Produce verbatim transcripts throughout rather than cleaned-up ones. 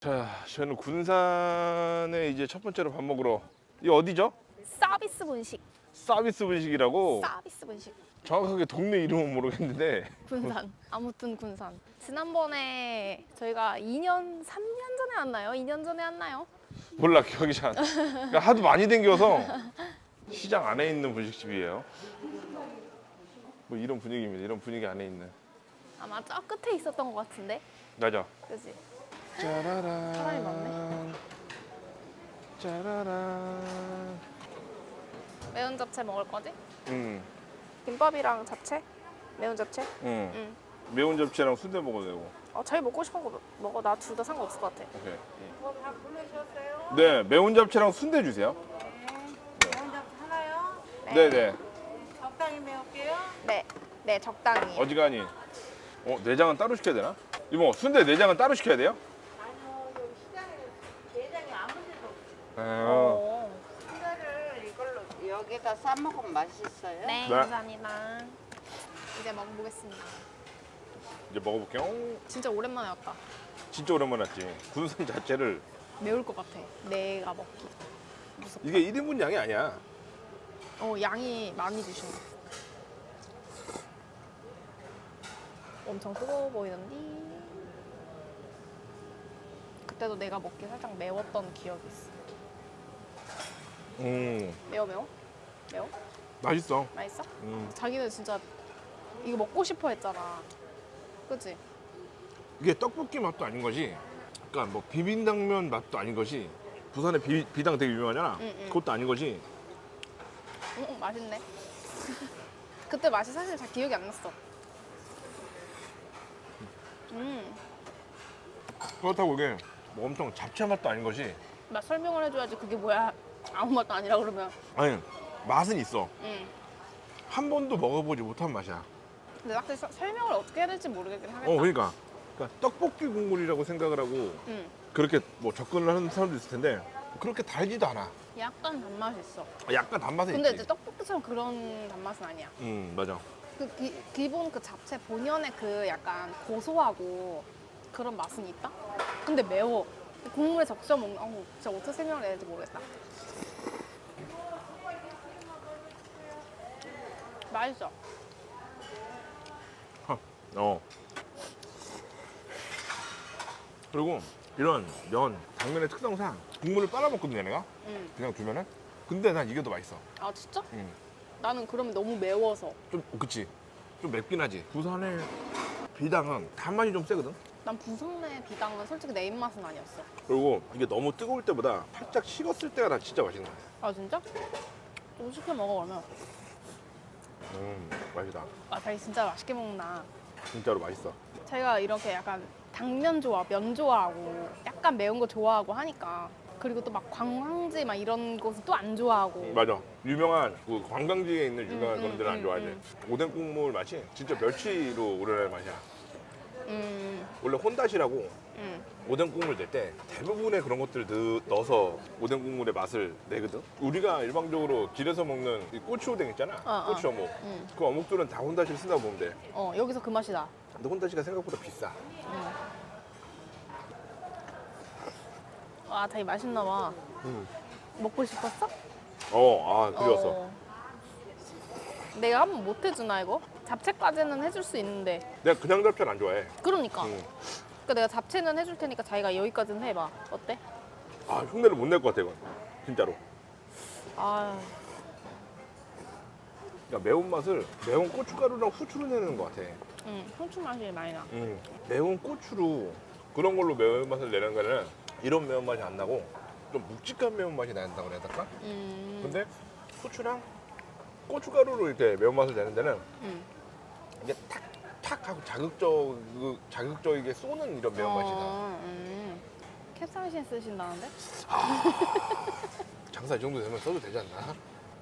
자, 저는 군산에 이제 첫 번째로 밥 먹으러. 이 어디죠? 서비스 분식. 서비스 분식이라고. 서비스 분식. 정확하게 동네 이름은 모르겠는데. 군산. 아무튼 군산. 지난번에 저희가 이 년, 삼 년 전에 왔나요? 이 년 전에 왔나요? 몰라, 기억이 잘 안 나. 그러니까 하도 많이 댕겨서 시장 안에 있는 분식집이에요. 뭐 이런 분위기입니다. 이런 분위기 안에 있는. 아마 저 끝에 있었던 것 같은데. 맞아. 그지? 짜라란. 사람이 많네. 짜라란. 매운 잡채 먹을 거지? 응. 김밥이랑 잡채? 매운 잡채? 응. 응. 매운 잡채랑 순대 먹어도 되고. 어, 자기 먹고 싶은 거 먹어. 나 둘 다 상관없을 것 같아. 오케이. 뭐밥 부르셨어요? 네, 매운 잡채랑 순대 주세요. 네. 먼저 하나요? 네, 네. 적당히 매울게요. 네. 네, 적당히. 어지간히. 어, 내장은 따로 시켜야 되나? 이모, 순대 내장은 따로 시켜야 돼요? 아니요, 여기 시장에 내장이 아무 데도 없어요. 아, 어. 순대를 이걸로 여기다 싸 먹으면 맛있어요. 네, 네. 감사합니다. 이제 먹어보겠습니다. 이제 먹어볼게요. 진짜 오랜만에 왔다. 진짜 오랜만에 왔지. 군산 자체를. 매울 것 같아. 내가 먹기. 무섭다. 이게 일 인분 양이 아니야. 어, 양이 많이 주시네. 엄청 뜨거워 보이는데. 그때도 내가 먹기 살짝 매웠던 기억이 있어. 음, 매워 매워? 매워? 맛있어. 맛있어? 음. 자기는 진짜 이거 먹고 싶어 했잖아. 그치? 이게 떡볶이 맛도 아닌 것이, 그러니까 뭐 비빔당면 맛도 아닌 것이, 부산의 비, 비당 되게 유명하잖아. 응, 응. 그것도 아닌 것이. 응, 응, 맛있네. 그때 맛이 사실 잘 기억이 안 났어. 음, 그렇다고 이게 뭐 엄청 잡채 맛도 아닌 것이. 맛 설명을 해줘야지. 그게 뭐야? 아무 맛도 아니라 그러면. 아니, 맛은 있어. 응. 한 번도 먹어보지 못한 맛이야. 근데 확실히 서- 설명을 어떻게 해야 될지 모르겠긴 하겠다. 어, 그러니까. 그러니까 떡볶이 국물이라고 생각을 하고 응. 그렇게 뭐 접근을 하는 사람도 있을 텐데 그렇게 달지도 않아. 약간 단맛이 있어. 약간 단맛은 근데 있지. 이제 떡볶이처럼 그런 단맛은 아니야. 음, 맞아. 그 기, 기본 그 잡채 본연의 그 약간 고소하고 그런 맛은 있다? 근데 매워. 국물에 적셔 먹는, 어우, 진짜 어떻게 설명을 해야 될지 모르겠다. 맛있어. 어. 그리고 이런 면, 당면의 특성상 국물을 빨아먹거든 얘네가. 응. 그냥 두면은. 근데 난 이게 더 맛있어. 아, 진짜? 음. 나는 그러면 너무 매워서. 좀 그치. 좀 맵긴 하지. 부산의 비당은 단맛이 좀 세거든. 난 부산내 비당은 솔직히 내 입맛은 아니었어. 그리고 이게 너무 뜨거울 때보다 살짝 식었을 때가 난 진짜 맛있는 거야. 아, 진짜? 좀 시켜 먹어, 그러면. 음, 맛있다. 아, 자기 진짜 맛있게 먹나. 진짜로 맛있어. 제가 이렇게 약간 당면 좋아, 면 좋아하고 약간 매운 거 좋아하고 하니까 그리고 또 막 관광지 막 이런 곳은 또 안 좋아하고 맞아. 유명한 그 관광지에 있는 유명한 음, 그런 데는 음, 안 좋아하지. 음, 오뎅 국물 맛이 진짜 멸치로 우러나는 맛이야. 음, 원래 혼다시라고 음. 오뎅 국물 낼 때 대부분의 그런 것들을 넣- 넣어서 오뎅 국물의 맛을 내거든. 우리가 일반적으로 길에서 먹는 이 꼬치 오뎅 있잖아. 어, 어. 꼬치 어묵. 음. 그 어묵들은 다 혼다시를 쓴다고 보면 돼. 어, 여기서 그 맛이 나. 근데 혼다시가 생각보다 비싸. 아, 되게 맛있나 봐. 음. 먹고 싶었어? 어, 아, 그리웠어. 어. 내가 한번 못 해주나 이거? 잡채까지는 해줄 수 있는데. 내가 그냥 잡채를 안 좋아해. 그러니까. 음. 그러니까 내가 잡채는 해줄 테니까 자기가 여기까지는 해봐. 어때? 아, 흉내를 못 낼 것 같아, 이건. 진짜로. 아, 그러니까 매운맛을 매운 고춧가루랑 후추로 내는 것 같아. 응, 후추 맛이 많이 나. 음, 매운 고추로 그런 걸로 매운맛을 내는 거는 이런 매운맛이 안 나고 좀 묵직한 매운맛이 난다고 해야 될까? 음, 근데 후추랑 고춧가루로 이렇게 매운맛을 내는 데는 음. 이게 탁탁 하고 자극적, 그 자극적이게 쏘는 이런 매운맛이 나. 어, 음. 캡사이신 쓰신다는데? 장사 이 정도 되면 써도 되지 않나?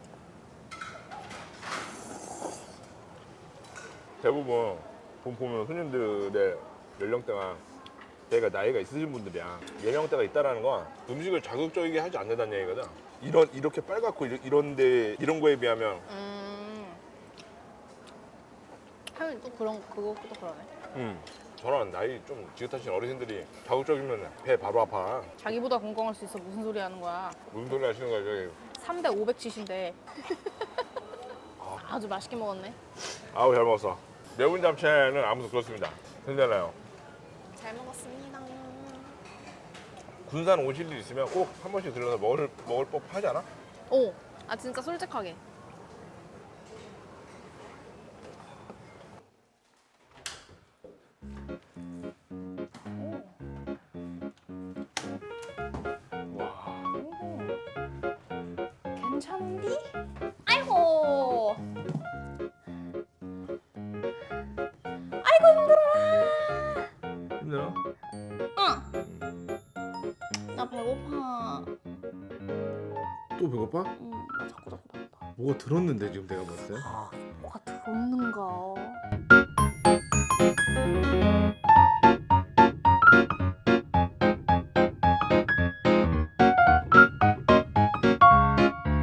대부분 보- 보면 손님들의 연령대가 대가 나이가 있으신 분들이야. 연령대가 있다라는 건 음식을 자극적이게 하지 않는다는 얘기거든. 이런 이렇게 빨갛고 이런 이런데 이런 거에 비하면 음. 하긴 또 그런 그것도 그러네. 음, 저런 나이 좀 지긋하신 어르신들이 자극적이면 배 바로 아파. 자기보다 건강할 수 있어. 무슨 소리 하는 거야. 무슨 소리 하시는 거야 저기. 삼 대 오백칠십인데. 아주 맛있게 먹었네. 아우 잘 먹었어. 매운 잡채는 아무도 그렇습니다. 괜찮아요. 잘 먹었습니다. 군산 오실 일 있으면 꼭 한 번씩 들러서 먹을 먹을 법 하지 않아? 오, 아 진짜 솔직하게. 와. 괜찮디? 아이고. 아이고 힘들어라. 힘들어? 응. 나 배고파. 또 배고파? 응, 나 자꾸 자꾸 배고파. 뭐가 들었는데 지금 내가 봤을 때? 뭐가 들었는가?